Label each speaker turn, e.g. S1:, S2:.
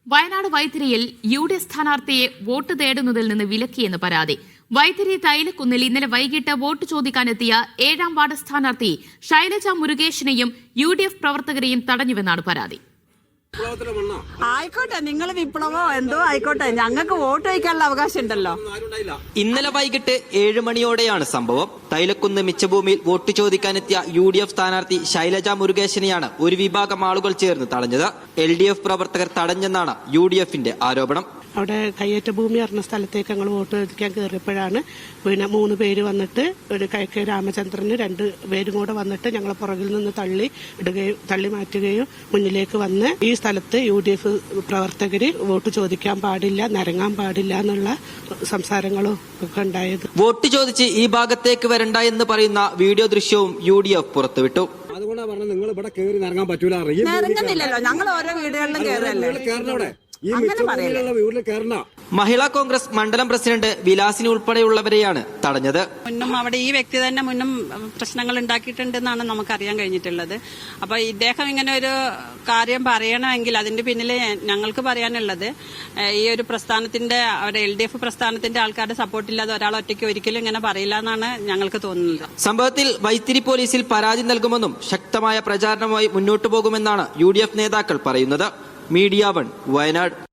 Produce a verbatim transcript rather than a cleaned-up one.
S1: വയനാട് വൈത്തിരിയിൽ U D F സ്ഥാനാർത്ഥിയെ vote തേടുന്നതിൽ നിന്ന് വിലക്കിയെന്ന് പരാതി. വൈത്തിരി തൈലക്കുന്നിൽ ഇന്നലെ വൈകിട്ട് വോട്ട് ചോദിക്കാനെത്തിയ ഏഴാം വാർഡ് സ്ഥാനാർത്ഥി ശൈലജ മുരുകേഷിനെയും യു ഡി എഫ് പ്രവർത്തകരെയും തടഞ്ഞുവെന്നാണ് പരാതി.
S2: ആയിക്കോട്ടെ, നിങ്ങൾ വിപ്ലവോ എന്തോ ആയിക്കോട്ടെ, ഞങ്ങൾക്ക് വോട്ട് വയ്ക്കാനുള്ള അവകാശം ഉണ്ടല്ലോ.
S3: ഇന്നലെ വൈകിട്ട് ഏഴ് മണിയോടെയാണ് സംഭവം. തൈലക്കുന്ന് മിച്ചഭൂമിയിൽ വോട്ട് ചോദിക്കാനെത്തിയ യു ഡി എഫ് സ്ഥാനാർത്ഥി ശൈലജ മുരുകേശനെയാണ് ഒരു വിഭാഗം ആളുകൾ ചേർന്ന് തടഞ്ഞത്. എൽ ഡി എഫ് പ്രവർത്തകർ തടഞ്ഞെന്നാണ് യു ഡി എഫിന്റെ ആരോപണം.
S4: അവിടെ കയ്യേറ്റ ഭൂമി അറിഞ്ഞ സ്ഥലത്തേക്ക് ഞങ്ങൾ വോട്ട് ചോദിക്കാൻ കയറിയപ്പോഴാണ് പിന്നെ മൂന്ന് പേര് വന്നിട്ട് ഒരു കെ കെ രാമചന്ദ്രന് രണ്ട് പേരും കൂടെ വന്നിട്ട് ഞങ്ങളെ പുറകിൽ നിന്ന് തള്ളി ഇടുകയും തള്ളി മാറ്റുകയും മുന്നിലേക്ക് വന്ന് ഈ സ്ഥലത്ത് യു ഡി എഫ് പ്രവർത്തകര് വോട്ട് ചോദിക്കാൻ പാടില്ല, നിരങ്ങാൻ പാടില്ല എന്നുള്ള സംസാരങ്ങളും ഒക്കെ ഉണ്ടായത്.
S3: വോട്ട് ചോദിച്ച് ഈ ഭാഗത്തേക്ക് വരണ്ട എന്ന് പറയുന്ന വീഡിയോ ദൃശ്യവും യു ഡി എഫ് പുറത്തുവിട്ടു.
S5: അതുകൊണ്ടാണ് പറഞ്ഞത് നിങ്ങൾ ഇവിടെ കയറി നിറങ്ങാൻ പറ്റൂല.
S2: ഇറങ്ങുന്നില്ലല്ലോ, ഞങ്ങൾ ഓരോ വീടുകളിലും കയറല്ലേ.
S3: മഹിളാ കോൺഗ്രസ് മണ്ഡലം പ്രസിഡന്റ് വിലാസിനി ഉൾപ്പെടെയുള്ളവരെയാണ് തടഞ്ഞത്.
S6: മുന്നും അവിടെ ഈ വ്യക്തി തന്നെ മുന്നും പ്രശ്നങ്ങൾ ഉണ്ടാക്കിയിട്ടുണ്ടെന്നാണ് നമുക്കറിയാൻ കഴിഞ്ഞിട്ടുള്ളത്. അപ്പൊ ഇദ്ദേഹം ഇങ്ങനെ ഒരു കാര്യം പറയണമെങ്കിൽ അതിന്റെ പിന്നിൽ ഞങ്ങൾക്ക് പറയാനുള്ളത്, ഈ ഒരു പ്രസ്ഥാനത്തിന്റെ അവരുടെ എൽ ഡി എഫ് പ്രസ്ഥാനത്തിന്റെ ആൾക്കാരുടെ സപ്പോർട്ടില്ലാതെ ഒരാൾ ഒറ്റയ്ക്ക് ഒരിക്കലും ഇങ്ങനെ പറയില്ല എന്നാണ് ഞങ്ങൾക്ക് തോന്നുന്നത്.
S3: സംഭവത്തിൽ വൈത്തിരി പോലീസിൽ പരാതി നൽകുമെന്നും ശക്തമായ പ്രചാരണവുമായി മുന്നോട്ടു പോകുമെന്നാണ് യു ഡി എഫ് നേതാക്കൾ പറയുന്നത്. Media one, Wayanad.